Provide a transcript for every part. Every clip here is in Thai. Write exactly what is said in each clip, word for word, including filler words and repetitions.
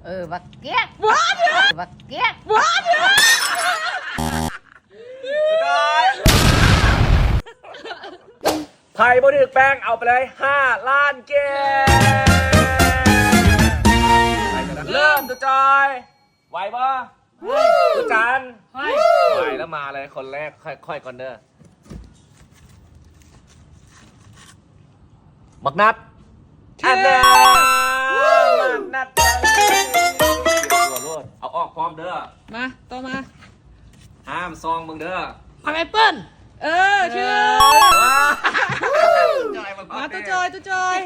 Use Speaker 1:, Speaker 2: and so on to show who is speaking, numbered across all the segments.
Speaker 1: เออบักเกี้ยว้าบักเกี้ยว้า
Speaker 2: ไผ่บดึกแป้งเอาไปเลยห้าล้านเกมเริ่มตัวจอยไหวปะตัวจันไหวแล้วมาเลยคนแรกค่อยๆก่อนเด้อบักนัดอันเด้อบักนัดตัวรวดเอาออกพร้อมเด้อ
Speaker 3: มาต่อมา
Speaker 2: ห้ามซองมึงเด้อ
Speaker 3: ผักแอปเปิ้ลเออชื่อมาตัวจอยตัวจอย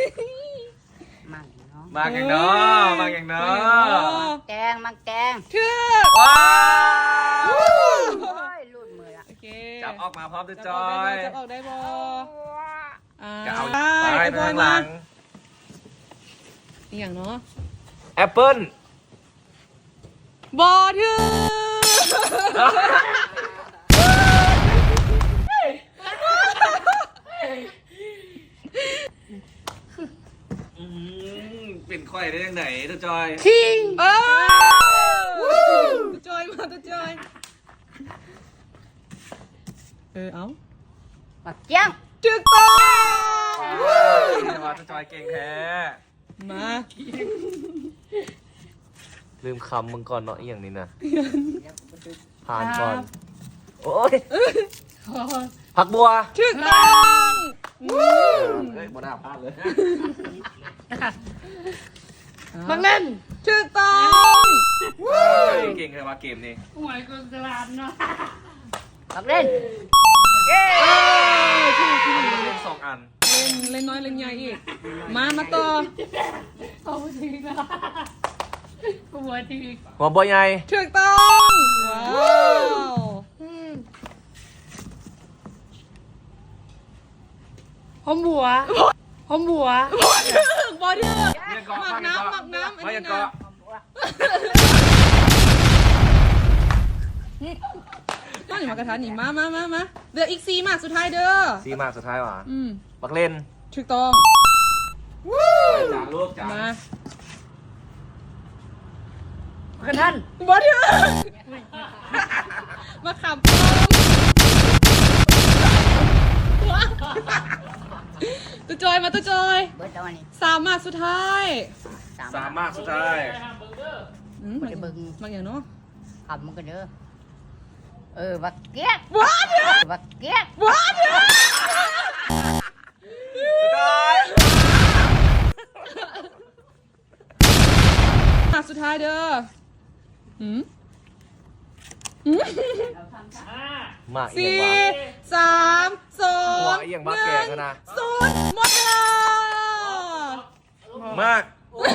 Speaker 1: มังเนาะ
Speaker 2: มาอย่างเนาะมาอย่างเนาะ
Speaker 1: แกงมังแกง
Speaker 3: ชื่อ
Speaker 2: ว้าว
Speaker 1: รุ่นมือละ
Speaker 3: โอเค
Speaker 2: จับออกมาพร้อมตัวจอย
Speaker 3: จับออกได้บอ
Speaker 2: จะเอาไปไปข้างหลัง
Speaker 3: อีกอย่างเนาะ
Speaker 2: แอปเปิ้ล
Speaker 3: บอชื่อ
Speaker 2: เป็นค่อยได้ยังไงตัวจอย
Speaker 3: คิงเออตัวจอยมาตัวจอยเออเอา
Speaker 1: บักเกี้ยง
Speaker 3: จึกต้อง
Speaker 2: มาตัวจอยเก่งแท้
Speaker 3: มา
Speaker 2: ลืมคำมึงก่อนเนาะอีอย่างนี้นะผ่านก่อนโอ้ยผักบัว
Speaker 3: จึกต้อง
Speaker 2: เฮ้ยบัวหน้าพลาดเลย
Speaker 3: บังเล่นจึกต้อง
Speaker 2: เก่งเลยว่าเกมนี้
Speaker 1: หวยก็กระลาดเนาะบักเล่น
Speaker 3: เย้
Speaker 2: เล่นสองอัน
Speaker 3: เล่นเล่นน้อยเล่นใหญ่อีกมามาต่อ
Speaker 1: เอาทีนะหัวที
Speaker 2: หัวบัวใหญ่
Speaker 3: ถูกต้องว้าว
Speaker 1: หอมบัวหอมบัว
Speaker 3: บอเดอร์หมักน้ำหมักน้ำอันนี้นะต้นหมากระทะหนีมามามามาเดี๋ยวอีกซีมากสุดท้ายเด้อ
Speaker 2: ซีมากสุดท้ายว่ะ
Speaker 3: อืม
Speaker 2: บักเล่น
Speaker 3: ถูกต้อง
Speaker 2: จานลูกจาน
Speaker 3: มา
Speaker 1: กันท่าน
Speaker 3: บอเดอร์มาขับปอมตัวจอยมาตัวจอยสามมากสุดท้าย
Speaker 2: สามมากสุดท้าย
Speaker 3: อืมมันมันอย่างเนาะ
Speaker 1: ขับมันก็เด้อเออบักเกี้ยว้าบักเกี้ย
Speaker 3: ว้ามาสุดท้ายเด้ออืม
Speaker 2: มา
Speaker 3: สี่สามสอง
Speaker 2: หนึ่ง
Speaker 3: ศูนย์หมดเวลาม
Speaker 2: าก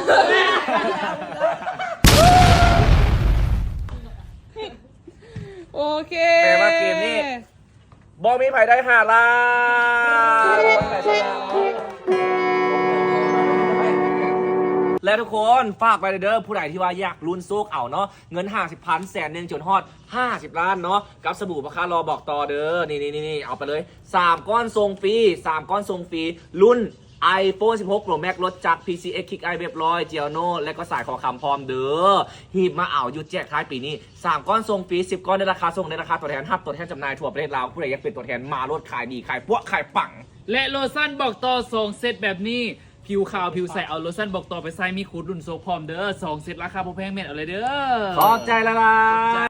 Speaker 3: โอเค
Speaker 2: แปลว่าเกมนี้บอมีไผ่ได้ห้าล้านและทุกคนฝากไปเด้อผู้ใดที่ว่าอยากลุ้นโซกเอาเนาะเงินห้าสิบพันแสนหนึ่งจนฮอดห้าสิบล้านเนาะกับสบู่ราคารอบอกต่อเด้อนี่นี่นี่เอาไปเลยสามก้อนทรงฟรีสามก้อนทรงฟรีรุ่น iPhone สิบหก Pro Max ลดจาก พี ซี เอ็กซ์ Kick Eye เรียบร้อยเจียโน่และก็สายคอคำพร้อมเด้อหีบมาเอาอยู่แจกท้ายปีนี้สามก้อนทรงฟรีสิบก้อนในราคาส่งในราคาตัวแทนห้าตัวแทนจำหน่ายทั่วประเทศลาวผู้ใดอยากเป็นตัวแทนมาลดขายดีขายพวกขายปัง
Speaker 4: และโลชั่นบอกต่อสองเซตแบบนี้ผิวขาวผิวใสเอาโลชั่นบอกต่อไปใส่มีคูดรุ่นโซพร้อมเด้อสองเซตราคาพอแพงเม็ดเอาเลยเด้อ
Speaker 2: ขอบใจละลา